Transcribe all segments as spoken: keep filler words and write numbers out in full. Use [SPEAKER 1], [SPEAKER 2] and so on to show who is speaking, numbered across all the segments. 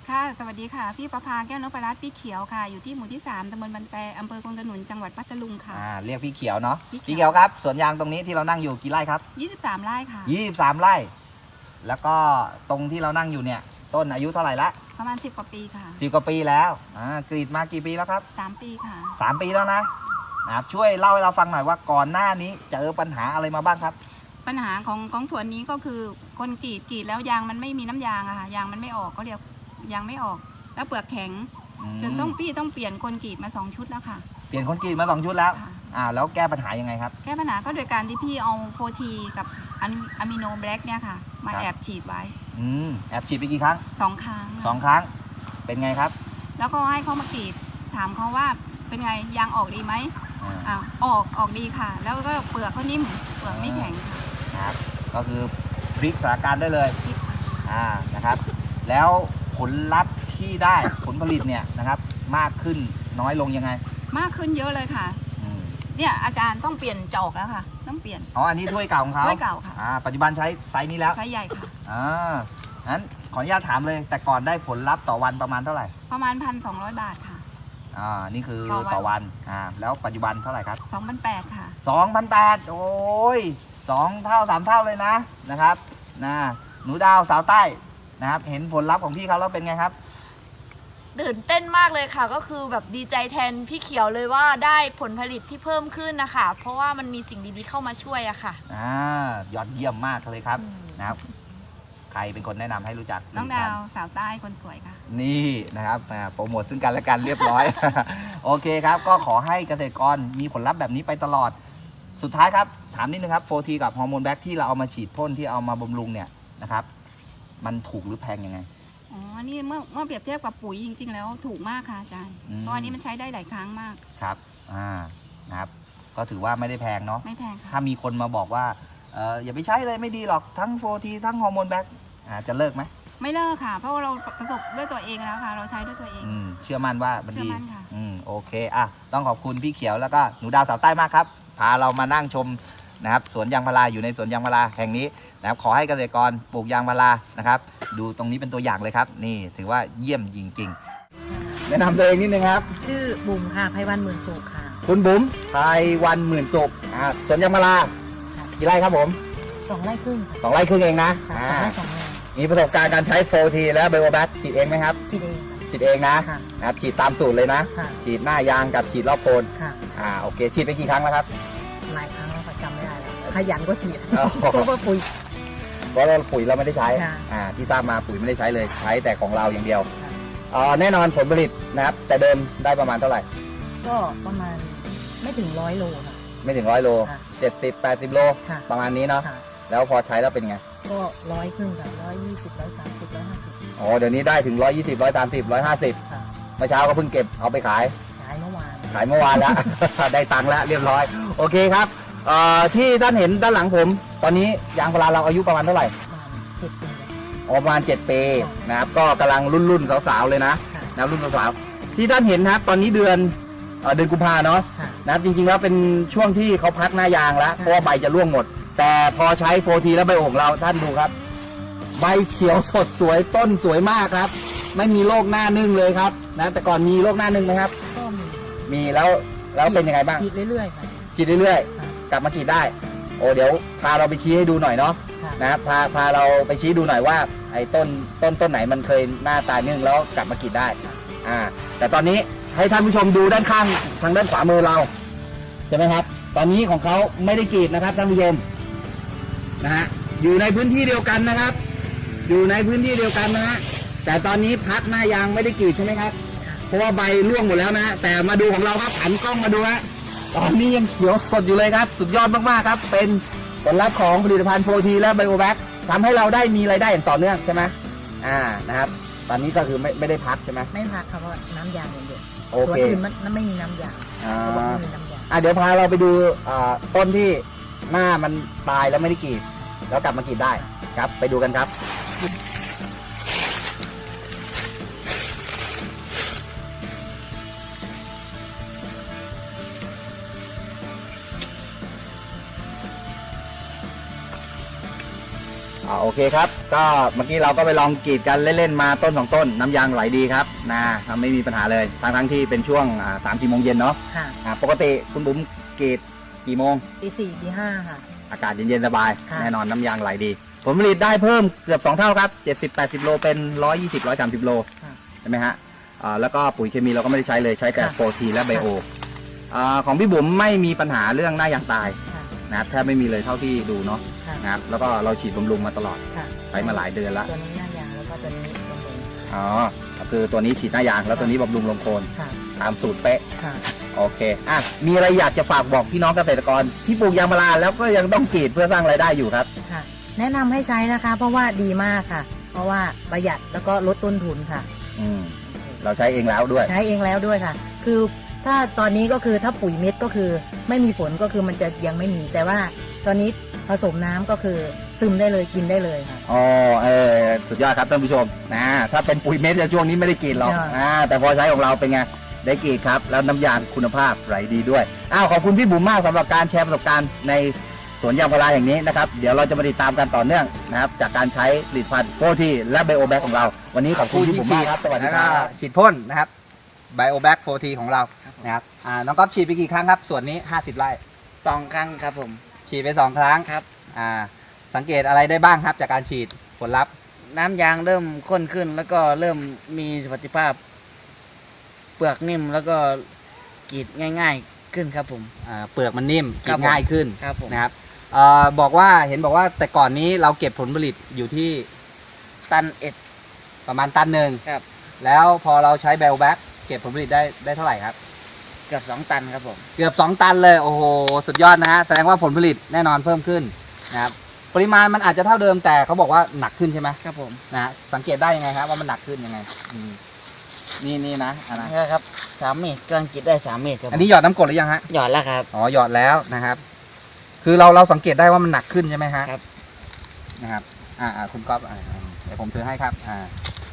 [SPEAKER 1] ค่ะสวัสดีค่ะพี่ประภาแก้วนพรัตน์พี่เขียวค่ะอยู่ที่หมู่ที่สามตำบลบันแปอำเภอคงขนุนจังหวัดพัทลุงค่ะ
[SPEAKER 2] อ่าเรียกพี่เขียวเนาะ
[SPEAKER 1] พี่เขียว
[SPEAKER 2] พี่เขียวครับสวนยางตรงนี้ที่เรานั่งอยู่กี่ไร่ครับ
[SPEAKER 1] ยี่สิบสามไร่ค่ะ
[SPEAKER 2] ยี่สิบสามไร่แล้วก็ตรงที่เรานั่งอยู่เนี่ยต้นอายุเท่าไหร่ละ
[SPEAKER 1] ประมาณสิบกว่าปีค่ะ
[SPEAKER 2] สิบกว่าปีแล้วอ่ากรีดมากี่ปีแล้วครับ
[SPEAKER 1] สามปีค่ะ
[SPEAKER 2] สามปีแล้วนะนะครับช่วยเล่าให้เราฟังหน่อยว่าก่อนหน้านี้เจอปัญหาอะไรมาบ้างครับ
[SPEAKER 1] ปัญหาของของสวนนี้ก็คือคนกรีดกรีดแล้วยางมันไม่มีน้ำยางอะค่ะยางมันไม่ออกก็เรียกยางไม่ออกแล้วเปลือกแข็งจนต้องพี่ต้องเปลี่ยนคนกรีดมาสองชุดแล้วค่ะ
[SPEAKER 2] เปลี่ยนคนกรีดมาสองชุดแล้วอ่าแล้วแก้ปัญหายังไงครับ
[SPEAKER 1] แก้ปัญหาก็โดยการที่พี่เอาโฟทีกับอะมิโนแบล็กเนี่ยค่ะมาแอบฉีดไว้
[SPEAKER 2] อืมแอบฉีดไปกี่ครั้ง
[SPEAKER 1] สองครั้ง
[SPEAKER 2] สองครั้งเป็นไงครับ
[SPEAKER 1] แล้วก็ให้เขามากรีดถามเขาว่าเป็นไงยางออกดีไหมอ่าออกออกดีค่ะแล้วก็เปลือกก็นิ่มเปลือกไม่แข็ง
[SPEAKER 2] ค่ะครับก็คือพลิกสถานการณ์ได้เลยอ่านะครับแล้วผลลัพธ์ที่ได้ผลผลิตเนี่ยนะครับมากขึ้นน้อยลงยังไง
[SPEAKER 1] มากขึ้นเยอะเลยค่ะเนี่ยอาจารย์ต้องเปลี่ยนจอกแล้วค่ะต้องเปลี่ยน
[SPEAKER 2] อ๋ออันนี้ถ้วยเก่าของเขา
[SPEAKER 1] ถ้วยเก่าค่ะ
[SPEAKER 2] อ่าปัจจุบันใช้ไซส์นี้แล้ว
[SPEAKER 1] ไซส์ใหญ่ค่ะ
[SPEAKER 2] อ่างั้นขออนุญาตถามเลยแต่ก่อนได้ผลลัพธ์ต่อวันประมาณเท่าไหร่
[SPEAKER 1] ประมาณพันสองร้อยบาทค่ะ
[SPEAKER 2] อ่านี่คือต่อวันอ่าแล้วปัจจุบันเท่าไหร่ครับ
[SPEAKER 1] สองพันแปดค่ะ
[SPEAKER 2] สองพันแปดโอ้ยสองเท่าสามเท่าเลยนะนะครับนะหนูดาวสาวใต้นะครับเห็นผลลัพธ์ของพี่เขาแล้วเป็นไงครับ
[SPEAKER 3] ตื่นเต้นมากเลยค่ะก็คือแบบดีใจแทนพี่เขียวเลยว่าได้ผลผลิตที่เพิ่มขึ้นนะคะเพราะว่ามันมีสิ่งดีๆเข้ามาช่วยอะค่ะ
[SPEAKER 2] อ่ายอดเยี่ยมมากเลยครับนะครับใครเป็นคนแนะนำให้รู้จัก
[SPEAKER 1] น้องดาวสาวใต้คนสวยค่ะ
[SPEAKER 2] นี่นะครับโปรโมทซึ่งกันและกันเรียบร้อย โอเคครับก็ขอให้เกษตรกรมีผลลัพธ์แบบนี้ไปตลอดสุดท้ายครับถามนิดนึงครับโฟทีกับฮอร์โมนแบ็กที่เราเอามาฉีดพ่นที่เอามาบำรุงเนี่ยนะครับมันถูกหรือแพงยังไง
[SPEAKER 1] อ๋อนี่เมื่อเมื่อเปรียบเทียบกับปุ๋ยจริงๆแล้วถูกมากค่ะอาจารย์เพราะอันนี้มันใช้ได้หลายครั้งมาก
[SPEAKER 2] ครับอ่านะครับก็ถือว่าไม่ได้แพงเนาะ
[SPEAKER 1] ไม่แพงค่ะ
[SPEAKER 2] ถ้ามีคนมาบอกว่าเอออย่าไปใช้เลยไม่ดีหรอกทั้งโฟทีทั้งฮอร์โมนแบ็กอ่าจะเลิกไหม
[SPEAKER 1] ไม่เลิกค่ะเพราะว่าเราประสบด้วยตัวเองแล้วค่ะเราใช้ด้วยตัวเอง
[SPEAKER 2] อืมเชื่อมั่นว่ามันดี
[SPEAKER 1] เชื่อมั่นค่ะ
[SPEAKER 2] อืมโอเคอ่ะต้องขอบคุณพี่เขียวแล้วก็หนูดาวสาวใต้มากครับพาเรามานั่งชมนะครับสวนยางพาราอยู่ในสวนยางพาราแห่งนี้นะครับขอให้เกษตรกรปลูกยางพารานะครับดูตรงนี้เป็นตัวอย่างเลยครับนี่ถือว่าเยี่ยมจริงๆแนะนำตัวเองนิดนึงครับ
[SPEAKER 4] ชื่อบุ๋มค่ะไพวันหมื่นสุขค่ะ
[SPEAKER 2] คุณบุ๋มไพวันหมื่นสุขอ่าสวนยางพารากี่ไร่ครับผม
[SPEAKER 4] สองไร่ครึ่ง
[SPEAKER 2] สองไร่ครึ่งเองนะ
[SPEAKER 4] สองไร่สองไร่
[SPEAKER 2] มีประสบการณ์การใช้โฟทีและไบโอแบคฉีดเองไหมครับ
[SPEAKER 4] ฉีดเอง
[SPEAKER 2] ฉีดเองนะนะครับฉีดตามสูตรเลยนะฉีดหน้ายางกับฉีดรอบโคนอ่าโอเคฉีดไปกี่ครั้งแล้วครับ
[SPEAKER 4] หลายครั้งแล้วจำไม่ได้แล้วขยันก็ฉีดเพราะว่าปุ๋ย
[SPEAKER 2] เพราะเราปุ๋ยเราไม่ได้ใช้อ่าที่ทราบมาปุ๋ยไม่ได้ใช้เลยใช้แต่ของเราอย่างเดียวอ่าแน่นอนผลผลิตนะครับแต่เดิมได้ประมาณเท่าไหร่
[SPEAKER 4] ก็ประมาณไม่ถึงร้อยโลค่ะ
[SPEAKER 2] ไม่ถึงร้อยโลเจ็ดสิบแปดสิบโลประมาณนี้เนาะแล้วพอใช้แล้วเป็นไง
[SPEAKER 4] ก็ร้อยครึ่งค่ะร้อยยี่สิบร้อยสามสิบร้อยห้าสิบ
[SPEAKER 2] อ๋อเดี๋ยวนี้ได้ถึงร้อยยี่สิบร้อยสามสิบร้อยห้าสิบเมื่อเช้าก็เพิ่งเก็บเอาไปขาย
[SPEAKER 4] ขายเมื่อวาน
[SPEAKER 2] ขายเมื่อวานแล้ว ได้ตังค์แล้วเรียบร้อยโอเคครับเอ่อที่ท่านเห็นด้านหลังผมตอนนี้ยางพาราเราอายุประมาณเท่าไหร่
[SPEAKER 4] เจ็ดปี
[SPEAKER 2] ประมาณเจ็ดปีนะครับก็กำลังรุ่นรุ่นสาวๆเลยนะนะรุ่นสาวๆที่ท่านเห็นนะครับตอนนี้เดือนเดือนกุมภาเนาะนะครับจริงๆแล้วเป็นช่วงที่เขาพักหน้ายางแล้วเพราะว่าใบจะร่วงหมดแต่พอใช้โฟทีและใบโอ่งเราท่านดูครับใบเขียวสดสวยต้นสวยมากครับไม่มีโรคหน้านึ่งเลยครับนะแต่ก่อนมีโรคหน้านึ่งไหมครับ
[SPEAKER 4] ก็มี
[SPEAKER 2] มีแล้วแล้วเป็นยังไงบ้าง
[SPEAKER 4] ฉีดเรื่อยๆค่ะ
[SPEAKER 2] ฉีดเรื่อยๆกลับมาฉีดได้โอ้เดี๋ยวพาเราไปชี้ให้ดูหน่อยเนาะนะครับพาพาเราไปชี้ดูหน่อยว่าไอ้ต้นต้นต้นไหนมันเคยหน้าตายนึ่งแล้วกลับมาฉีดได้อ่าแต่ตอนนี้ให้ท่านผู้ชมดูด้านข้างทางด้านขวามือเราใช่ไหมครับตอนนี้ของเขาไม่ได้กรีดนะครับท่านผู้ชมนะฮะอยู่ในพื้นที่เดียวกันนะครับอยู่ในพื้นที่เดียวกันนะฮะแต่ตอนนี้พักหน้ายางไม่ได้กรีดใช่ไหมครับเพราะว่าใบร่วงหมดแล้วนะแต่มาดูของเราครับหันกล้องมาดูฮะตอนนี้ยังเขียวสดอยู่เลยครับสุดยอดมากๆครับเป็นผลลัพธ์ของผลิตภัณฑ์โฟทีและไบโอแบคทำให้เราได้มีรายได้อย่างต่อเนื่องใช่ไหมอ่านะครับตอนนี้ก็คือไม่ไม่ได้พักใช่ไหม
[SPEAKER 4] ไม่พักครับเพราะน้ำยางอย่างเดียว
[SPEAKER 2] โอเค
[SPEAKER 4] ส่วนอื่นมันไม่มีน้ำยาง
[SPEAKER 2] อ่าอ่าเดี๋ยวพาเราไปดูอ่าต้นที่หน้ามันตายแล้วไม่ได้กรีดแล้วกลับมากรีดได้ครับไปดูกันครับอ่าโอเคครับก็เมื่อกี้เราก็ไปลองกรีดกันเล่นๆมาต้นสองต้นน้ำยางไหลดีครับนะไม่มีปัญหาเลยทั้งทั้งที่เป็นช่วงสามสี่โมงเย็นเนาะ
[SPEAKER 4] ค่ะ
[SPEAKER 2] อ่าปกติคุณบุ๋มกรีดกี่โมง
[SPEAKER 4] ตีสี่ตีห้าค่ะ
[SPEAKER 2] อากาศเย็นๆสบาย
[SPEAKER 4] ค่ะ
[SPEAKER 2] แน่นอนน้ำยางไหลดีผลผลิตได้เพิ่มเกือบสองเท่าครับเจ็ดสิบแปดสิบโลเป็นร้อยยี่สิบร้อยสามสิบโล
[SPEAKER 4] ค่ะ
[SPEAKER 2] ใช่ไหมฮะอ่าแล้วก็ปุ๋ยเคมีเราก็ไม่ได้ใช้เลยใช้แต่
[SPEAKER 4] ค่ะ
[SPEAKER 2] โฟทีและไบโออ่าของพี่บุ๋มไม่มีปัญหาเรื่องหน้ายางตาย
[SPEAKER 4] ค่ะ
[SPEAKER 2] นะครับแทบไม่มีเลยเท่าที่ดูเนาะ
[SPEAKER 4] ค่ะ
[SPEAKER 2] นะครับแล้วก็เราฉีดบำรุงมาตลอด
[SPEAKER 4] ค่ะ
[SPEAKER 2] ใช้มาหลายเดือนแล้ว
[SPEAKER 4] ตัวนี้หน้ายางแล้วก็ตัวนี้ลงบน
[SPEAKER 2] อ๋อก็คือตัวนี้ฉีดหน้ายางแล้วตัวนี้บำรุงลงโคน
[SPEAKER 4] ค่ะ
[SPEAKER 2] ตามสูตรเป๊ะ
[SPEAKER 4] ค่ะ
[SPEAKER 2] โอเคอ่ะมีอะไรอยากจะฝากบอกพี่น้องเกษตรกรที่ปลูกยางพาราแล้วก็ยังต้องกรีดเพื่อสร้างรายได้อยู่ครับ
[SPEAKER 4] ค่ะ แนะนำให้ใช้นะคะ เพราะว่าดีมากค่ะ เพราะว่าประหยัดแล้วก็ลดต้นทุนค่ะ
[SPEAKER 2] อืมเราใช้เองแล้วด้วย
[SPEAKER 4] ใช้เองแล้วด้วยค่ะ คือถ้าตอนนี้ก็คือถ้าปุ๋ยเม็ดก็คือไม่มีผลก็คือมันจะยังไม่มี แต่ว่าตอนนี้ผสมน้ำก็คือซึมได้เลยกินได้เลยค่ะ
[SPEAKER 2] อ๋อเออสุดยอดครับท่านผู้ชมนะถ้าเป็นปุ๋ยเม็ดในช่วงนี้ไม่ได้กรีดหรอก
[SPEAKER 4] ค่ะ
[SPEAKER 2] อ่าแต่พอใช้ของเราเป็นไงได้กรีดครับแล้วน้ำยางคุณภาพไหลดีด้วยอ้าวขอบคุณพี่บุ๋มมากสำหรับการแชร์ประสบการณ์ในสวนยางพาราแห่งนี้นะครับเดี๋ยวเราจะมาติดตามกันต่อเนื่องนะครับจากการใช้ผลิตภัณฑ์โฟทีและไบโอแบ็กของเราวันนี้ขอบคุณพี่บุ๋มมากครับสวัสดี
[SPEAKER 5] แล้ว
[SPEAKER 2] ค
[SPEAKER 5] ก็
[SPEAKER 2] รับ
[SPEAKER 5] ฉีดพ่นนะครับไบโอแบ็กโฟทีของเรานะครับอ่าน้องก๊อฟฉีดไปกี่ครั้งครับส่วนนี้ห้าสิบไร่
[SPEAKER 6] สองครั้งครับผม
[SPEAKER 5] ฉีดไปสองครั้ง
[SPEAKER 6] ครับ
[SPEAKER 5] อ่าสังเกตอะไรได้บ้างครับจากการฉีดผลลัพธ์
[SPEAKER 6] น้ำยางเริ่มข้นขึ้น แล้วก็เริ่มมีสมรรถภาพ เปลือกนิ่มแล้วก็กรีดง่าย ๆขึ้นครับผม
[SPEAKER 5] อ่าเปลือกมันนิ่ม
[SPEAKER 6] ครั
[SPEAKER 5] กิ
[SPEAKER 6] บ
[SPEAKER 5] น
[SPEAKER 6] ผม
[SPEAKER 5] ง่ายขึ้น
[SPEAKER 6] ครับผม
[SPEAKER 5] นะครับเอ่อบอกว่าเห็นบอกว่าแต่ก่อนนี้เราเก็บผลผลิตอยู่ที่
[SPEAKER 6] ตันเอ็ด
[SPEAKER 5] ประมาณตันหนึ่ง
[SPEAKER 6] ครับ
[SPEAKER 5] แล้วพอเราใช้ไบโอแบ็กเก็บผลผลิตได้ได้เท่าไหร่ครับ
[SPEAKER 6] เกือบสองตันครับผม
[SPEAKER 5] เกือบสองตันเลยโอ้โหสุดยอดนะฮะแสดงว่าผลผลิตแน่นอนเพิ่มขึ้นนะครับปริมาณมันอาจจะเท่าเดิมแต่เขาบอกว่าหนักขึ้นใช่ไหม
[SPEAKER 6] ครับผม
[SPEAKER 5] นะฮะสังเกตได้ยังไงครับว่ามันหนักขึ้นยังไงอืมนี่นี่นะอันนะ
[SPEAKER 6] นี่ครับสามเมตรกำลังกรีดได้สามเมตรครับผม
[SPEAKER 5] อันนี้หยอดน้ำกรดหรือยังฮะ
[SPEAKER 6] หยอดแล้วครับ
[SPEAKER 5] อ๋อหยอดแล้วนะครับ คือเราเราสังเกตได้ว่ามันหนักขึ้นใช่ไหมฮะ
[SPEAKER 6] ครับ
[SPEAKER 5] นะครับอ่าอ่าคุณก๊อฟอ่าอ่าเดี๋ยวผมถือให้ครับอ่า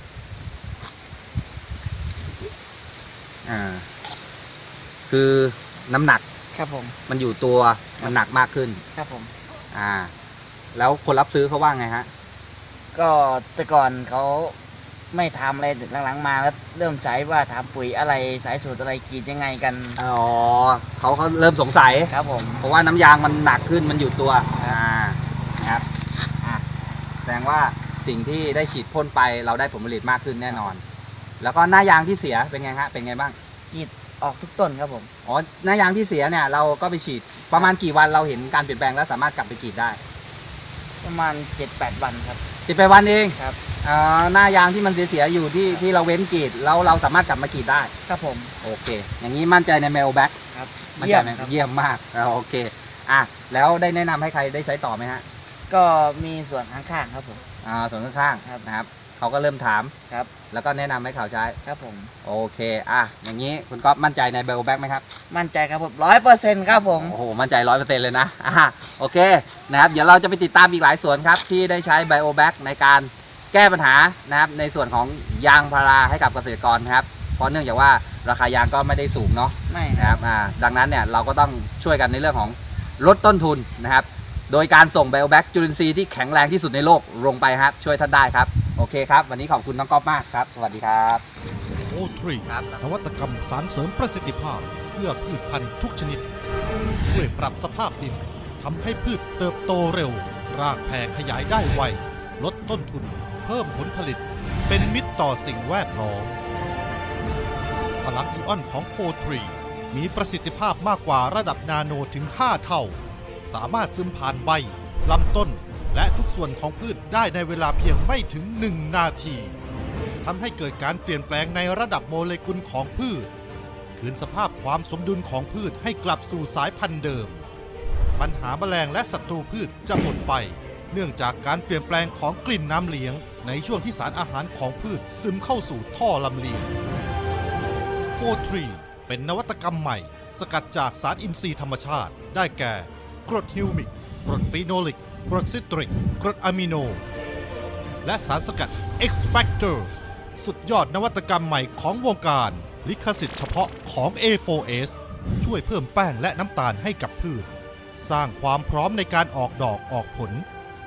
[SPEAKER 5] อ่าคือน้ำหนัก
[SPEAKER 6] ครับผม
[SPEAKER 5] มันอยู่ตัวมันหนักมากขึ้น
[SPEAKER 6] ครับผม
[SPEAKER 5] อ่า แล้วคนรับซื้อเขาว่าไงฮะ
[SPEAKER 6] ก็แต่ก่อนเขาไม่ทำอะไรหลังๆมาแล้วเริ่มใช้ว่าทำปุ๋ยอะไรสายสูตรอะไรกรีดยังไงกัน
[SPEAKER 5] อ๋อเขาเขาเริ่มสงสัย
[SPEAKER 6] ครับผม
[SPEAKER 5] เพราะว่าน้ำยางมันหนักขึ้นมันอยู่ตัว อ่า นะครับ อ่ะแสดงว่าสิ่งที่ได้ฉีดพ่นไปเราได้ผลผลิตมากขึ้นแน่นอน แล้วก็หน้ายางที่เสียเป็นไงฮะ เป็นไงบ้าง
[SPEAKER 6] กรีดออกทุกต้นครับผม
[SPEAKER 5] อ๋อ หน้ายางที่เสียเนี่ยเราก็ไปฉีดประมาณกี่วันเราเห็นการเปลี่ยนแปลงแล้วสามารถกลับไปกรีดได้
[SPEAKER 6] ประมาณเจ็ดแปดวันครับ
[SPEAKER 5] สิบไปวันเอง
[SPEAKER 6] ครับ
[SPEAKER 5] อ่าหน้ายางที่มันเสียๆอยู่ที่ที่เราเว้นกรีดแล้วเราสามารถกลับมากรีดได้
[SPEAKER 6] ครับผม
[SPEAKER 5] โอเค อย่างนี้มั่นใจในเมลแบ็ก
[SPEAKER 6] ครับ
[SPEAKER 5] มั่น
[SPEAKER 6] เยี่
[SPEAKER 5] ใจ
[SPEAKER 6] ยม
[SPEAKER 5] ไหม
[SPEAKER 6] ครับ
[SPEAKER 5] เยี่ยมมากอ่าโอเค อ่ะ แล้วได้แนะนำให้ใครได้ใช้ต่อไหมฮะ
[SPEAKER 6] ก็มีส่วนข้างๆครับผม
[SPEAKER 5] อ่าส่วนข้าง
[SPEAKER 6] ครับ
[SPEAKER 5] ๆนะครับ เขาก็เริ่มถาม
[SPEAKER 6] ครับ
[SPEAKER 5] แล้วก็แนะนำให้เขาใช้
[SPEAKER 6] ครับผม
[SPEAKER 5] โอเค อ่ะ อย่างนี้คุณก๊อฟมั่นใจในเบลแบ็กไหมครับ
[SPEAKER 6] มั่นใจครับผมร้อยเปอร์เซ็นต์ครับผม
[SPEAKER 5] โอ้โห มั่นใจร้อยเปอร์เซ็นต์เลยนะ อ่ะ โอเค นะครับ เดี๋ยวเราจะไปติดตามอีกหลายสวนครับ ที่ได้ใช้ไบโอแบ็กในการแก้ปัญหานะครับ ในส่วนของยางพาราให้กับเกษตรกรนะครับ เพราะเนื่องจากว่าราคายางก็ไม่ได้สูงเนาะ
[SPEAKER 6] ไม่ค
[SPEAKER 5] นะค
[SPEAKER 6] รั
[SPEAKER 5] รับ บ อ่า ดังนั้นเนี่ยเราก็ต้องช่วยกันในเรื่องของลดต้นทุนนะครับ โดยการส่งไบโอแบ็กจุลินทรีย์ที่แข็งแรงที่สุดในโลกลงไปครับ ช่วยท่านได้ครับ โอเคครับ วันนี้ขอบคุณน้องก๊อฟมากครับ สวัสดีครับ
[SPEAKER 7] โอทรี
[SPEAKER 5] ครับ
[SPEAKER 7] นวัตกรรมสารเสริมประสิทธิภาพ เพื่อพืชพันธุ์ทุกชนิด ช่วยปรับสภาพดินทำให้พืชเติบโตเร็ว รากแผ่ขยายได้ไว ลดต้นทุน เพิ่มผลผลิต เป็นมิตรต่อสิ่งแวดล้อมพลังอิออนของโฟทรีมีประสิทธิภาพมากกว่าระดับนาโนถึง ห้า เท่า สามารถซึมผ่านใบ ลำต้น และทุกส่วนของพืชได้ในเวลาเพียงไม่ถึง หนึ่ง นาทีทำให้เกิดการเปลี่ยนแปลงในระดับโมเลกุลของพืช คืนสภาพความสมดุลของพืชให้กลับสู่สายพันธุ์เดิม ปัญหาแมลงและศัตรูพืชจะหมดไป เนื่องจากการเปลี่ยนแปลงของกลิ่นน้ำเลี้ยงในช่วงที่สารอาหารของพืชซึมเข้าสู่ท่อลำเลียง โฟทรี เป็นนวัตกรรมใหม่ สกัดจากสารอินทรีย์ธรรมชาติ ได้แก่ กรดฮิวมิก กรดฟีโนลิก กรดซิตริก กรดอะมิโน และสารสกัด X Factor สุดยอดนวัตกรรมใหม่ของวงการ ลิขสิทธิ์เฉพาะของ เอ โฟร์ เอส ช่วยเพิ่มแป้งและน้ำตาลให้กับพืช สร้างความพร้อมในการออกดอกออกผล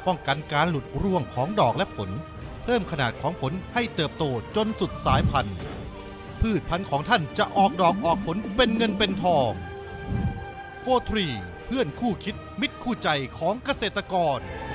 [SPEAKER 7] ป้องกันการหลุดร่วงของดอกและผล เพิ่มขนาดของผลให้เติบโตจนสุดสายพันธุ์ พืชพันธุ์ของท่านจะออกดอกออกผลเป็นเงินเป็นทอง โฟร์ ทรี เพื่อนคู่คิดมิตรคู่ใจของเกษตรกร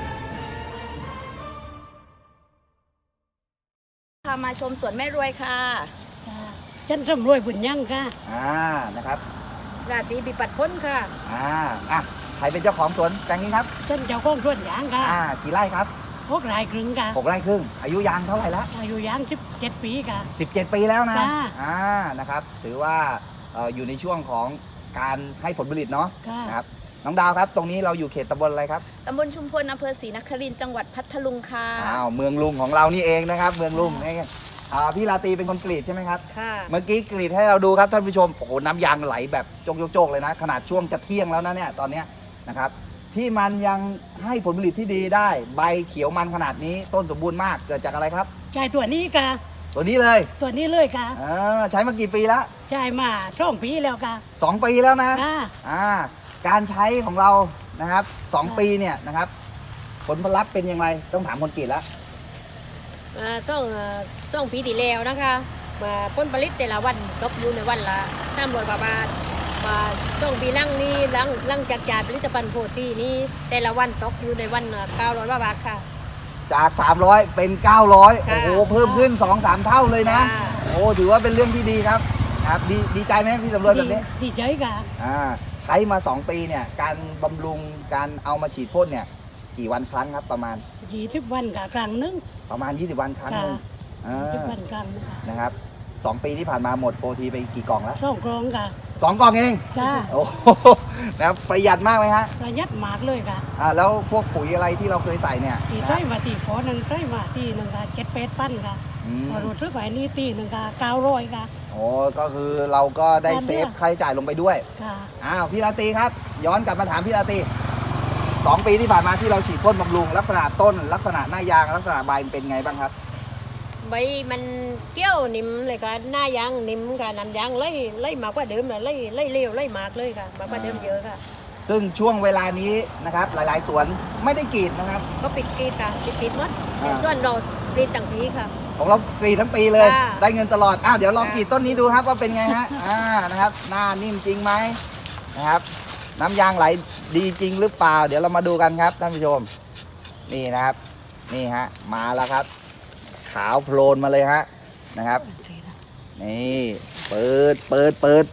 [SPEAKER 3] พามาชมสวนแม่รวยค่ะ
[SPEAKER 8] ฉันสำรวยบุญยังค่ะ
[SPEAKER 2] อ่านะครับ
[SPEAKER 8] ราตรีบิปัดพ้นค่ะ
[SPEAKER 2] อ่าอ่ะใครเป็นเจ้าของสวนแปลงนี้ครับ
[SPEAKER 8] ฉันเจ้าของสวนยางค่ะ
[SPEAKER 2] อ่ากี่ไร่ครับ
[SPEAKER 8] พวกรายครึ่งค่ะ
[SPEAKER 2] หกไร่ครึ่งอายุยางเท่าไหร่แล้ว
[SPEAKER 8] อายุยางสิบเจ็ดปีค่ะ
[SPEAKER 2] สิบเจ็ดปีแล้วนะ
[SPEAKER 8] จ้า
[SPEAKER 2] อ่านะครับถือว่าเอ่ออยู่ในช่วงของการให้ผลผลิตเนาะ
[SPEAKER 8] ค่ะ
[SPEAKER 2] นะครับน้องดาวครับ ตรงนี้เราอยู่เขตตำบลอะไรครับ
[SPEAKER 3] ตำบลชุมพลอำเภอศรีนครินทร์จังหวัดพัทลุงค่ะ
[SPEAKER 2] อ้าวเมืองลุงของเรานี่เองนะครับ เมืองลุงนี่อ่าพี่ราตรีเป็นคนกรีดใช่ไหมครับ
[SPEAKER 8] ค่ะ
[SPEAKER 2] เมื่อกี้กรีดให้เราดูครับท่านผู้ชมโอ้โหน้ำยางไหลแบบโจกๆเลยนะ ขนาดช่วงจะเที่ยงแล้วนะเนี่ยตอนเนี้ยนะครับที่มันยังให้ผลผลิตที่ดีได้ ใบเขียวมันขนาดนี้ต้นสมบูรณ์มากเกิดจากอะไรครับ
[SPEAKER 8] จ่ายตัวนี้ค่ะ
[SPEAKER 2] ตัวนี้เลย
[SPEAKER 8] ตัวนี้เลยค่ะ
[SPEAKER 2] เออใช้มากี่ปีแล้ว
[SPEAKER 8] จ่ายมาสองปีแล้วค่ะ
[SPEAKER 2] สองปีแล้วนะ
[SPEAKER 8] ค่ะ
[SPEAKER 2] อ่าการใช้ของเรานะครับสองปีเนี่ยนะครับผลลัพธ์เป็นยังไงต้องถามคนกรีดแล้ว
[SPEAKER 8] มาต้องเอ่อต้องปีที่แล้วนะคะมาผลผลิตแต่ละวันตกอยู่ในวันละห้าร้อยกว่าบาทมาส่งปีหลังนี้หลังหลังจากจ่ายผลิตภัณฑ์โฟตีนี้แต่ละวันตกอยู่ในวันเก้าร้อยกว่าบาทค่ะ
[SPEAKER 2] จาก สามร้อย เป็น เก้าร้อย โอ้
[SPEAKER 8] ค่ะ
[SPEAKER 2] โหเพิ่มขึ้น สองสาม เท่าเลยนะ
[SPEAKER 8] ค่ะ
[SPEAKER 2] โอ้ถือว่าเป็นเรื่องที่ดีครับครับดีดีใจไหมพี่สำรวจแบบนี้
[SPEAKER 8] ดีใจค่ะ
[SPEAKER 2] อ่าใช้มา สอง ปีเนี่ยการบำรุงการเอามาฉีดพ่นเนี่ยกี่วันครั้งครับประมาณ
[SPEAKER 8] ยี่สิบวันค่ะครั้งหนึง
[SPEAKER 2] ประมาณ ยี่สิบ วันครั้งหนึง
[SPEAKER 8] ค่ะ
[SPEAKER 2] อ่า
[SPEAKER 8] ยี่สิบวันครั้งค่ะ
[SPEAKER 2] นะครับสองปีที่ผ่านมาหมดโฟทีไปกี่กล่องแล้ว
[SPEAKER 8] สองกรองค่ะ
[SPEAKER 2] สองกล่องเอง
[SPEAKER 8] จ้า
[SPEAKER 2] โอ้โหนะครับประหยัดมากไหมฮะ
[SPEAKER 8] ประหยัดมากเลยค่ะ
[SPEAKER 2] อ่าแล้วพวกปุ๋ยอะไรที่เราเคยใส่เนี่ย
[SPEAKER 8] ตี
[SPEAKER 2] นะ
[SPEAKER 8] ใช้มาตีขอหนึ่งใช้มาตีหนึ่งค่ะเจ็ดแปดพันค่ะ
[SPEAKER 2] อืม
[SPEAKER 8] พอรู้สึกว่านี่ตีหนึ่งค่ะเก้าร้อยค่ะ
[SPEAKER 2] โอ้ก็คือเราก็ได้
[SPEAKER 8] ตาม
[SPEAKER 2] เซ
[SPEAKER 8] เรื่
[SPEAKER 2] ฟ
[SPEAKER 8] อง
[SPEAKER 2] ค่าใช้จ่ายลงไปด้วย
[SPEAKER 8] ค่ะ
[SPEAKER 2] อ้าวพี่ราตรีครับ ย้อนกลับมาถามพี่ราตรีสองปีที่ผ่านมาที่เราฉีดพ่นบำรุงลักษณะต้น ลักษณะหน้ายางลักษณะใบมันเป็นไงบ้างครับ
[SPEAKER 8] ใบมันเกี้ยวนิ่มเลยค่ะหน้ายางนิ่มค่ะน้ำยางไล่ไล่มากกว่าเดิมเลยไล่ไล่เร็วไล่มากเลยค่ะมากกว่าเดิมเยอะค่ะ
[SPEAKER 2] ซึ่งช่วงเวลานี้นะครับหลายๆ สวนไม่ได้กรีดนะครับ
[SPEAKER 8] ก็ปิดกรีดค่ะปิดกรีดหมด
[SPEAKER 2] อ่า
[SPEAKER 8] แต่ส่วนเรากรีดต่างปีค่ะ
[SPEAKER 2] ของเรากรีดทั้งปีเลย
[SPEAKER 8] ค่ะ
[SPEAKER 2] ได้เงินตลอดอ้าวเดี๋ยวลอง
[SPEAKER 8] ค่ะ
[SPEAKER 2] กรีดต้นนี้ดูครับว่าเป็นไงฮะอ่านะครับหน้านิ่มจริงไหมนะครับ น้ำยางไหลดีจริงหรือเปล่า เดี๋ยวเรามาดูกันครับท่านผู้ชม นี่นะครับ นี่ฮะมาแล้วครับ ขาวโพลนมาเลยฮะนะครับ นี่เปิดเปิดเปิด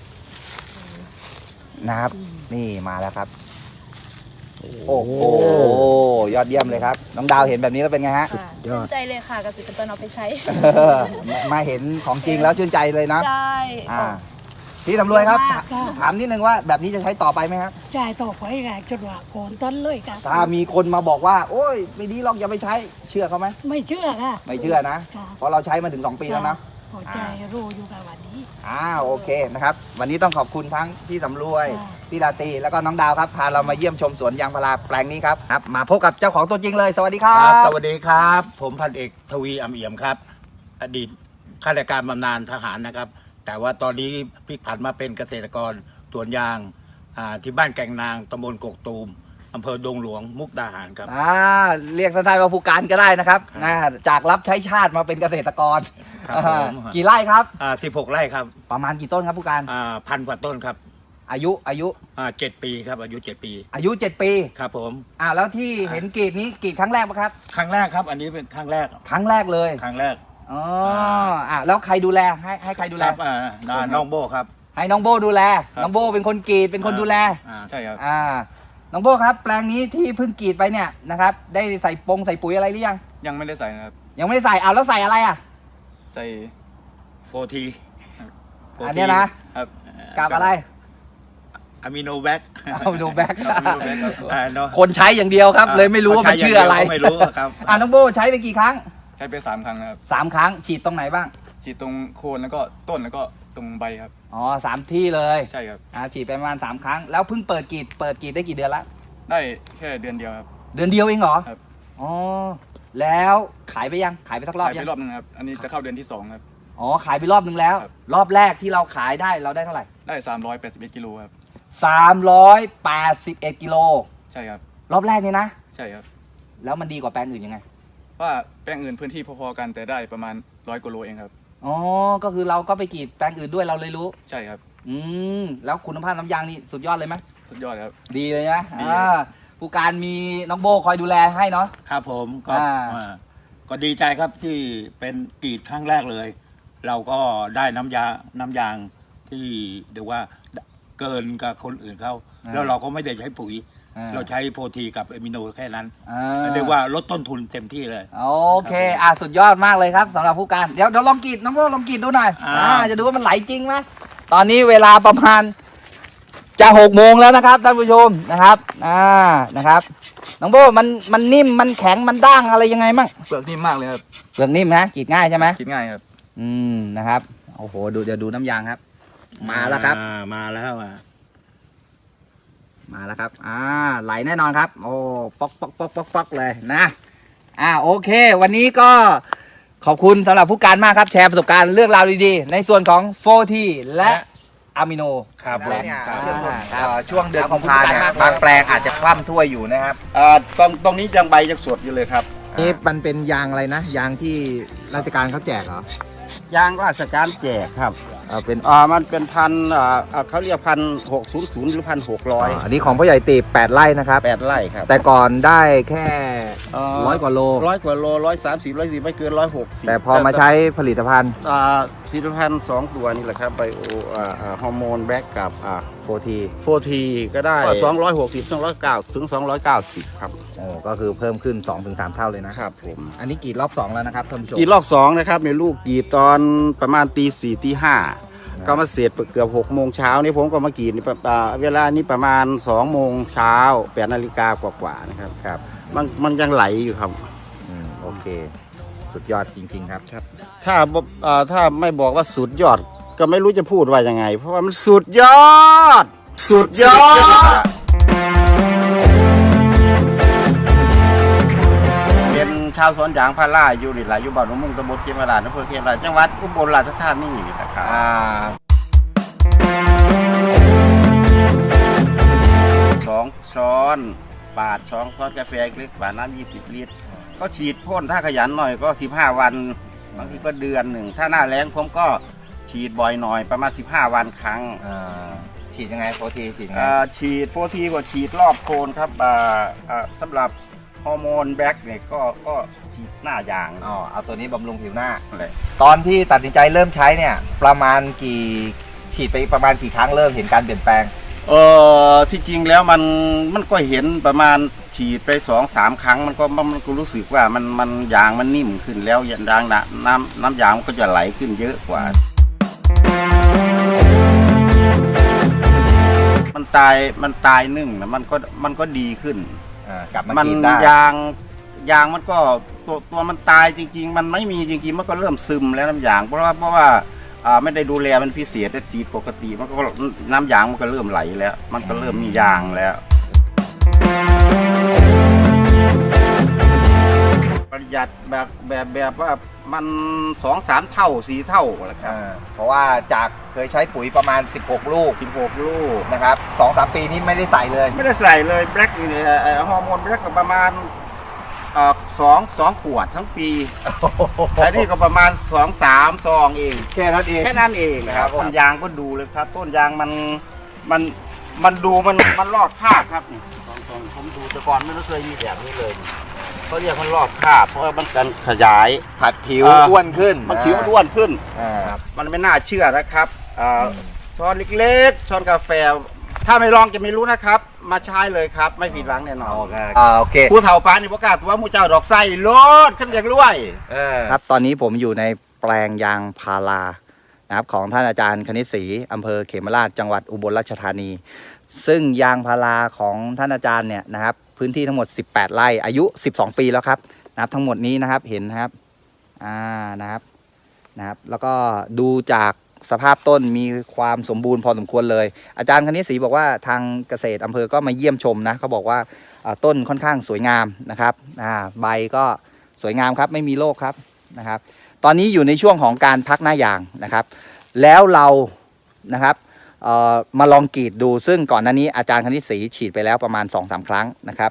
[SPEAKER 2] นะครับ นี่มาแล้วครับ โอ้โหยอดเยี่ยมเลยครับ น้องดาวเห็นแบบนี้แล้วเป็นไงฮะ
[SPEAKER 3] ค่ะชื่นใจเลยค่ะเกษตรกรเอาไปใช้
[SPEAKER 2] มาเห็นของจริงแล้วชื่นใจเลยนะ
[SPEAKER 3] ใช่
[SPEAKER 2] อ่าพี่ตำรวจครับ
[SPEAKER 3] มาก
[SPEAKER 8] ค่ะ
[SPEAKER 2] ถามนิดนึงว่าแบบนี้จะใช้ต่อไปไหมครับ
[SPEAKER 8] จ่ายต่อไปค่ะจนว่าโคนต้นเลยค่ะ
[SPEAKER 2] ถ้ามีคนมาบอกว่า โอ้ยไม่ดีหรอกอย่าไปใช้เชื่อเขาไหม
[SPEAKER 8] ไม่เชื่อค่ะ
[SPEAKER 2] ไม่เชื่อนะ
[SPEAKER 8] ค่ะ
[SPEAKER 2] เพราะเราใช้มาถึงสองปีแล้วนะ
[SPEAKER 8] พอใจรู้อยู่กับวันนี้
[SPEAKER 2] อ่าโอเคนะครับ วันนี้ต้องขอบคุณทั้งพี่สำรวย
[SPEAKER 8] ค่ะ
[SPEAKER 2] พี่ราตรีแล้วก็น้องดาวครับพาเรามาเยี่ยมชมสวนยางพาราแปลงนี้ครับครับ มาพบกับเจ้าของตัวจริงเลย สวัสดีครั
[SPEAKER 9] ครับ
[SPEAKER 2] บ
[SPEAKER 9] สวัสดีครับ ผมพันเอกทวีอำเอี่ยมครับ อดีตข้าราชการบำนาญทหารนะครับ แต่ว่าตอนนี้พลิกผันมาเป็นเกษตรกรสวนยางอ่าที่บ้านแก่งนางตำบลกกตูมอำเภอดงหลวงมุกดาหารครับ
[SPEAKER 2] อ่าเรียกสั้นๆว่าผู้การก็ได้นะครับอ่าจากรับใช้ชาติมาเป็นเกษตรกร
[SPEAKER 9] ครับผม
[SPEAKER 2] อ่ากี่ไร่ครับ
[SPEAKER 9] อ่าสิบหกไร่ครับ
[SPEAKER 2] ประมาณกี่ต้นครับผู้การ
[SPEAKER 9] อ่าพันกว่าต้นครับ
[SPEAKER 2] อายุอายุ
[SPEAKER 9] อ่าเจ็ดปีครับ อายุเจ็ดปี
[SPEAKER 2] อายุเจ็ดปี
[SPEAKER 9] ครับผม
[SPEAKER 2] อ่าแล้วที่เห็นกรีดนี้กรีดครั้งแรกปะครับ
[SPEAKER 9] ครั้งแรกครับ อันนี้เป็นครั้งแรก
[SPEAKER 2] ครั้งแรกเลย
[SPEAKER 9] ครั้งแรก
[SPEAKER 2] อ๋ออ่าแล้วใครดูแลให้ให้ใครดู
[SPEAKER 9] ค
[SPEAKER 2] แล
[SPEAKER 9] รับอ่าอ่าน้องโบครับ
[SPEAKER 2] ให้น้องโบดูแล
[SPEAKER 9] ครับ
[SPEAKER 2] น้องโบเป็นคนกรีดเป็นคนดูแล
[SPEAKER 9] อ่าใช่ครับ
[SPEAKER 2] อ่าน้องโบครับ แปลงนี้ที่เพิ่งกรีดไปเนี่ยนะครับ ได้ใส่ปงใส่ปุ๋ยอะไรหรือยัง
[SPEAKER 9] ยังไม่ได้ใส่นะครับ
[SPEAKER 2] ยังไม่ได้ใส่อ้าวแล้วใส่อะไรอ่ะ
[SPEAKER 9] ใส่โฟที
[SPEAKER 2] อันเนี้ยนะ
[SPEAKER 9] ครับ
[SPEAKER 2] กับอะไร
[SPEAKER 9] อะมิโนแบค
[SPEAKER 2] Aminovac
[SPEAKER 9] อะมิโนแบคอ่าเนาะ
[SPEAKER 2] คนใช้อย่างเดียวครับ เลยไม่รู้ว่ามันชื่ออะไร
[SPEAKER 9] ไม่รู้ครับ
[SPEAKER 2] อ่าน้องโบใช้ไปกี่ครั้ง
[SPEAKER 9] ใช้ไปสามครั้งนะครับ
[SPEAKER 2] สามครั้งฉีดตรงไหนบ้าง
[SPEAKER 9] ฉีดตรงโคนแล้วก็ต้นแล้วก็ตรงใบครับ
[SPEAKER 2] อ๋อสามที่เลย
[SPEAKER 9] ใช่ครับ
[SPEAKER 2] อ่าฉีดไปประมาณสามครั้งแล้วเพิ่งเปิดกรีดเปิดกรีดได้กี่เดือนละ
[SPEAKER 9] ได้แค่เดือนเดียวครับ
[SPEAKER 2] เดือนเดียวเองเหรอ
[SPEAKER 9] ครับ
[SPEAKER 2] อ๋อแล้วขายไปยังขายไปสักรอบ
[SPEAKER 9] ขาย
[SPEAKER 2] ยั
[SPEAKER 9] ไป
[SPEAKER 2] ง
[SPEAKER 9] รอบนึงครับ อันนี้จะเข้าเดือนที่สองครับ
[SPEAKER 2] อ๋อขายไปรอบนึงแล้ว
[SPEAKER 9] ครับ
[SPEAKER 2] รอบแรกที่เราขายได้เราได้เท่าไหร่
[SPEAKER 9] ได้สามร้อยแปดสิบเอ็ดกิโลครับ
[SPEAKER 2] สามร้อยแปดสิบเอ็ดกิโล
[SPEAKER 9] ใช่ครับ
[SPEAKER 2] รอบแรกนี่นะ
[SPEAKER 9] ใช่ครับ
[SPEAKER 2] แล้วมันดีกว่าแปลงอื่นยังไง
[SPEAKER 10] ว่าแปลงอื่นพื้นที่พอๆกันแต่ได้ประมาณร้อยกว่าโลเองครับ
[SPEAKER 2] อ๋อก็คือเราก็ไปกรีดแปลงอื่นด้วยเราเลยรู้
[SPEAKER 10] ใช่ครับ
[SPEAKER 2] อืมแล้วคุณภาพน้ำยางนี่สุดยอดเลยไหม
[SPEAKER 10] สุดยอดครับ
[SPEAKER 2] ดีเลยนะ
[SPEAKER 10] ดี
[SPEAKER 2] อ่าผู้การมีน้องโบคอยดูแลให้เนาะ
[SPEAKER 9] ครับผมก็
[SPEAKER 2] อ่า
[SPEAKER 9] อ่าก็ดีใจครับที่เป็นกรีดครั้งแรกเลย เราก็ได้น้ำยาน้ำยางที่เรียกว่าเกินกับคนอื่นเขาแล้วเราก็ไม่ได้ใช้ปุ๋ย
[SPEAKER 2] อ่า
[SPEAKER 9] เราใช้โฟทีกับเอมิโนแค่นั้น
[SPEAKER 2] อ่า
[SPEAKER 9] เรียกว่าลดต้นทุนเต็มที่เลย
[SPEAKER 2] โอเคอ่ะสุดยอดมากเลยครับสำหรับผู้การเดี๋ยวเดี๋ยวลองกรีดน้องโบลองกรีดดูหน่อย
[SPEAKER 9] อ่า
[SPEAKER 2] อ่าจะดูว่ามันไหลจริงไหมตอนนี้เวลาประมาณจะหกโมงแล้วนะครับท่านผู้ชมนะครับอ่านะครับน้องโบมันมันนิ่มมันแข็งมันด้างอะไรยังไงมั่ง
[SPEAKER 10] เปลือกนิ่มมากเลยครับ
[SPEAKER 2] เปลือกนิ่มนะกรีดง่ายใช่ไหม
[SPEAKER 10] กินง่ายครับ
[SPEAKER 2] อืมนะครับโอ้โหดูเดี๋ยวดูน้ำยางครับ มาแล้วครับ
[SPEAKER 9] อ่ามาแล้วอ่ะ
[SPEAKER 2] มาแล้วครับอ่าไหลแน่นอนครับโอ้ป๊อกป๊อกป๊อกป๊อกป๊อกเลยนะอ่าโอเค วันนี้ก็ขอบคุณสำหรับผู้การมากครับแชร์ประสบการณ์เรื่องราวดีๆในส่วนของโฟทีและอะมิโน
[SPEAKER 9] ครับ
[SPEAKER 2] และ
[SPEAKER 9] ผม
[SPEAKER 2] ครับ
[SPEAKER 11] เอ่อช่วงเดือน
[SPEAKER 2] ข
[SPEAKER 11] กุ
[SPEAKER 2] อบ
[SPEAKER 11] ม
[SPEAKER 2] คุณ
[SPEAKER 11] ภา
[SPEAKER 2] ผู้
[SPEAKER 11] เนี่ย
[SPEAKER 2] การมากเลย
[SPEAKER 11] บางแปลงอาจจะคว่ำถ้วยอยู่นะครับ
[SPEAKER 9] เอ่อตรงตรงนี้ยังใบยังสดอยู่เลยครับ
[SPEAKER 11] นี่มันเป็นยางอะไรนะ ยางที่ราชการเขาแจกเหรอ
[SPEAKER 12] ยางราชการแจกครับ
[SPEAKER 11] เออเป็น
[SPEAKER 12] อ่ามันเป็นพันอ่าอ่าเขาเรียกพันหกศูนย์ศูนย์หรือพันหกร้อย
[SPEAKER 11] อันนี้ของพ่อใหญ่ตีบแปดไร่นะครับ
[SPEAKER 12] แปดไร่ครับ
[SPEAKER 11] แต่ก่อนได้แค่ร้อยกว่าโล
[SPEAKER 12] ร้อยกว่าโลร้อยสามสิบร้อยสี่ไม่เกินร้อยหกสิบ
[SPEAKER 11] แต่พอมาใช้ผลิตภัณฑ์
[SPEAKER 12] อ่าสิบพันสองตัวนี่แหละครับไบโออ่าอ่าฮอร์โมนแบล็กกับอ่า
[SPEAKER 11] โฟที
[SPEAKER 12] โฟทีก็ได้สองร้อยหกสิบสองร้อยเก้าถึงสองร้อยเก้าสิบครับ
[SPEAKER 11] โอ้ก็คือเพิ่มขึ้น สองถึงสาม เท่าเลยนะ
[SPEAKER 12] ครับผม
[SPEAKER 11] อันนี้กรีดรอบสองแล้วนะครับท่านผู้ชม
[SPEAKER 12] กรีดรอบสองนะครับในลูกกรีดตอนประมาณตีสี่ตีห้าก็มาเสร็จเกือบหกโมงเช้านี่ผมก็มากรีดนี่อ่าเวลานี้ประมาณสองโมงเช้าแปดนาฬิกากว่าๆนะครับ
[SPEAKER 11] ครับ
[SPEAKER 12] มันมันยังไหลอยู่ครับ
[SPEAKER 11] อืมโอเค สุดยอดจริง ๆ ครับ
[SPEAKER 12] ถ้าบ่เอ่อถ้าไม่บอกว่าสุดยอดก็ไม่รู้จะพูดว่ายังไง เพราะว่ามันสุดยอด สุดยอด เป็นชาวสวนยางพาราอยู่นี่แหละอยู่บ้านหนองมุงตำบลเขมราชอำเภอเขมราชจังหวัดอุบลราชธานีนี่แหละครับ
[SPEAKER 11] อ่า
[SPEAKER 12] สองช้อนปาดสองช้อนกาแฟเล็กปาดน้ำยี่สิบลิตร ก็ฉีดพ่นถ้าขยันหน่อยก็สิบห้าวันบางทีก็เดือนหนึ่งถ้าหน้าแล้งผมก็ฉีดบ่อยหน่อยประมาณสิบห้าวันครั้ง
[SPEAKER 11] อ่าฉีดยังไงโฟทีฉีดยังไง
[SPEAKER 12] อ่าฉีดโฟทีก็ฉีดรอบโคนครับอ่าอ่าสำหรับฮอร์โมนแบล็กเนี่ยก็ก็ฉีดหน้ายาง
[SPEAKER 11] อ๋อเอาตัวนี้บำรุงผิวหน้า
[SPEAKER 12] เลย
[SPEAKER 11] ตอนที่ตัดสินใจเริ่มใช้เนี่ย ประมาณกี่ฉีดไปประมาณกี่ครั้งเริ่มเห็นการเปลี่ยนแปลง
[SPEAKER 12] เออที่จริงแล้วมันมันก็เห็นประมาณฉีดไปสองสามครั้งมันก็มันก็รู้สึกว่ามันมันยางมันนิ่มขึ้นแล้วยางน้ำน้ำน้ำยางมันก็จะไหลขึ้นเยอะกว่า มันตายมันตายนึ่งนะมันก็มันก็ดีขึ้น
[SPEAKER 11] อ่ากลับมา
[SPEAKER 12] มัน
[SPEAKER 11] กินได้
[SPEAKER 12] ยางยางมันก็ตัวตัวมันตายจริง ๆ มันไม่มีจริงๆมันก็เริ่มซึมแล้วน้ำยางเพราะว่าเพราะว่าอ่าไม่ได้ดูแลมันพิเศษแต่ฉีดปกติมันก็น้ำยางมันก็เริ่มไหลแล้ว มันก็เริ่มมียางแล้วประหยัดแบบแบบแบบว่ามันสองสามเท่าสี่เท่าแหละครับ
[SPEAKER 11] อ่าเพราะว่าจากเคยใช้ปุ๋ยประมาณสิบหกลูก
[SPEAKER 12] สิบหกลูก
[SPEAKER 11] นะครับ สองสาม ปีนี้ไม่ได้ใส่เลย
[SPEAKER 12] ไม่ได้ใส่เลยแบล็กอยู่เนี่ยเอ่อฮอร์โมนแบล็กก็ประมาณเอ่อสองสองขวดทั้งปีแต่นี่ก็ประมาณสองสามซองเอง
[SPEAKER 11] แค่นั้นเอง
[SPEAKER 12] แค่นั้นเองนะค
[SPEAKER 11] ครั
[SPEAKER 12] รั
[SPEAKER 11] บบ ผม
[SPEAKER 12] ต้นยางก็ดูเลยครับ ต้นยางมันมันมันดูมันมันลอกคราบครับนี่ตอนตอนผมดูแต่ก่อนไม่เคยมีแบบนี้เลยเขาเรียกมันลอกคราบเพราะว่ามันการขยาย
[SPEAKER 11] ผัดผิว
[SPEAKER 12] เอ่อ
[SPEAKER 11] อ้วนขึ้น
[SPEAKER 12] มันผิวอ้วนขึ้น
[SPEAKER 11] อ่า
[SPEAKER 12] มันไม่น่าเชื่อนะครับอ่าช้อนเล็กๆช้อนกาแฟ ถ้าไม่ลองจะไม่รู้นะครับ มาใช้เลยครับ ไม่ผิดหวังแน่นอน
[SPEAKER 11] อ่าโอเค
[SPEAKER 12] ผู้เฒ่าปานนี่ประกล้าศตัวหมูเจ้าดอกไส้โลดขึ้นอย่างรวย
[SPEAKER 11] ครับตอนนี้ผมอยู่ในแปลงยางพารานะครับของท่านอาจารย์คณิตศรีอำเภอเขมราชจังหวัดอุบลราชธานี ซึ่งยางพาราของท่านอาจารย์เนี่ยนะครับพื้นที่ทั้งหมดสิบแปดไร่อายุสิบสองปีแล้วครับนะครับทั้งหมดนี้นะครับเห็นนะครับอ่านะครับนะครับแล้วก็ดูจากสภาพต้นมีความสมบูรณ์พอสมควรเลยอาจารย์คณิตศรีบอกว่าทางเกษตรอำเภอก็มาเยี่ยมชมนะเขาบอกว่าต้นค่อนข้างสวยงามนะครับอ่าใบก็สวยงามครับไม่มีโรคครับนะครับตอนนี้อยู่ในช่วงของการพักหน้ายางนะครับแล้วเรานะครับมาลองกรีดดูซึ่งก่อนหน้านี้อาจารย์คณิตศรีฉีดไปแล้วประมาณ สองสาม ครั้งนะครับ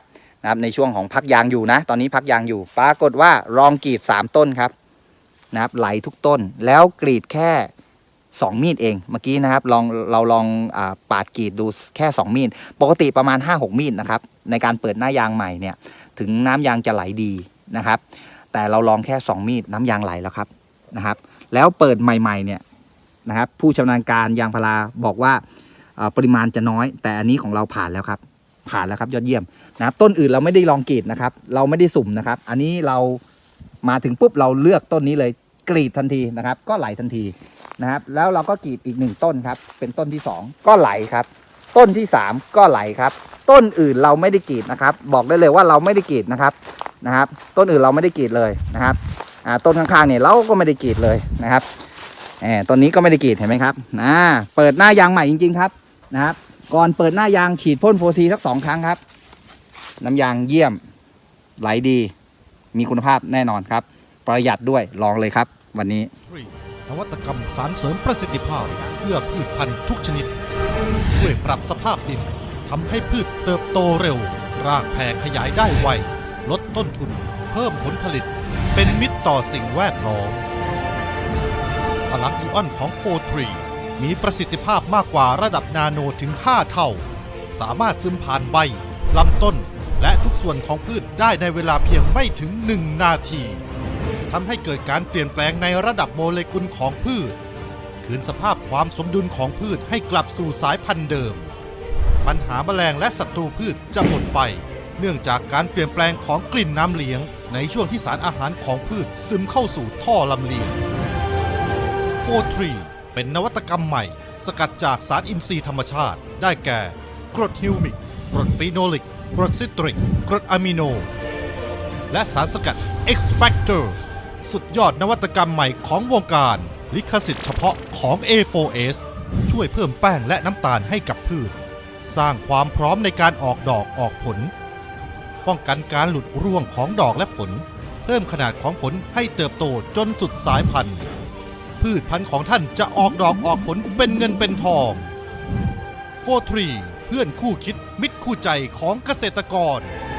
[SPEAKER 11] นะครับในช่วงของพักยางอยู่นะตอนนี้พักยางอยู่ปรากฏว่าลองกรีดสามต้นครับนะครับไหลทุกต้นแล้วกรีดแค่สองมีดเองเมื่อกี้นะครับลองเราลองอาปาดกรีดดูแค่สองมีดปกติประมาณ ห้าหก มีดนะครับในการเปิดหน้ายางใหม่เนี่ยถึงน้ำยางจะไหลดีนะครับแต่เราลองแค่สองมีดน้ำยางไหลแล้วครับนะครับแล้วเปิดใหม่ๆเนี่ยนะครับผู้ชำนาญการยางพาราบอกว่าปริมาณจะน้อยแต่อันนี้ของเราผ่านแล้วครับผ่านแล้วครับยอดเยี่ยมนะครับต้นอื่นเราไม่ได้ลองกรีดนะครับเราไม่ได้สุ่มนะครับอันนี้เรามาถึงปุ๊บเราเลือกต้นนี้เลยกรีดทันทีนะครับก็ไหลทันทีนะครับแล้วเราก็กรีดอีกหนึ่งต้นครับเป็นต้นที่สองก็ไหลครับต้นที่สามก็ไหลครับต้นอื่นเราไม่ได้กรีดนะครับบอกได้เลยว่าเราไม่ได้กรีดนะครับนะครับต้นอื่นเราไม่ได้กรีดเลยนะครับอ่าต้นข้างๆเนี่ยเราก็ไม่ได้กรีดเลยนะครับแหมต้นนี้ก็ไม่ได้กรีดเห็นไหมครับนะเปิดหน้ายางใหม่จริงๆครับนะครับก่อนเปิดหน้ายางฉีดพ่นโฟทีสักสองครั้งครับน้ำยางเยี่ยมไหลดีมีคุณภาพแน่นอนครับประหยัดด้วยลองเลยครับวันนี้
[SPEAKER 7] นวัตกรรมสารเสริมประสิทธิภาพเพื่อพืชพันธุ์ทุกชนิดช่วยปรับสภาพดินทำให้พืชเติบโตเร็วรากแผ่ขยายได้ไวลดต้นทุนเพิ่มผลผลิตเป็นมิตรต่อสิ่งแวดล้อมพลังอิออนของโฟร์ทรีมีประสิทธิภาพมากกว่าระดับนาโนถึงห้าเท่าสามารถซึมผ่านใบลำต้นและทุกส่วนของพืชได้ในเวลาเพียงไม่ถึงหนึ่งนาทีทำให้เกิดการเปลี่ยนแปลงในระดับโมเลกุลของพืชคืนสภาพความสมดุลของพืชให้กลับสู่สายพันธุ์เดิมปัญหาแมลงและศัตรูพืชจะหมดไปเนื่องจากการเปลี่ยนแปลงของกลิ่นน้ำเลี้ยงในช่วงที่สารอาหารของพืชซึมเข้าสู่ท่อลำเลียง โฟร์ทรี เป็นนวัตกรรมใหม่สกัดจากสารอินทรีย์ธรรมชาติได้แก่กรดฮิวมิกกรดฟีโนลิกกรดซิตริกกรดอะมิโนและสารสกัด X Factor สุดยอดนวัตกรรมใหม่ของวงการลิขสิทธิ์เฉพาะของ เอ โฟร์ เอส ช่วยเพิ่มแป้งและน้ำตาลให้กับพืชสร้างความพร้อมในการออกดอกออกผลป้องกันการหลุดร่วงของดอกและผลเพิ่มขนาดของผลให้เติบโตจนสุดสายพันธุ์พืชพันธุ์ของท่านจะออกดอกออกผลเป็นเงินเป็นทอง โฟร์ทรี เพื่อนคู่คิดมิตรคู่ใจของเกษตรกร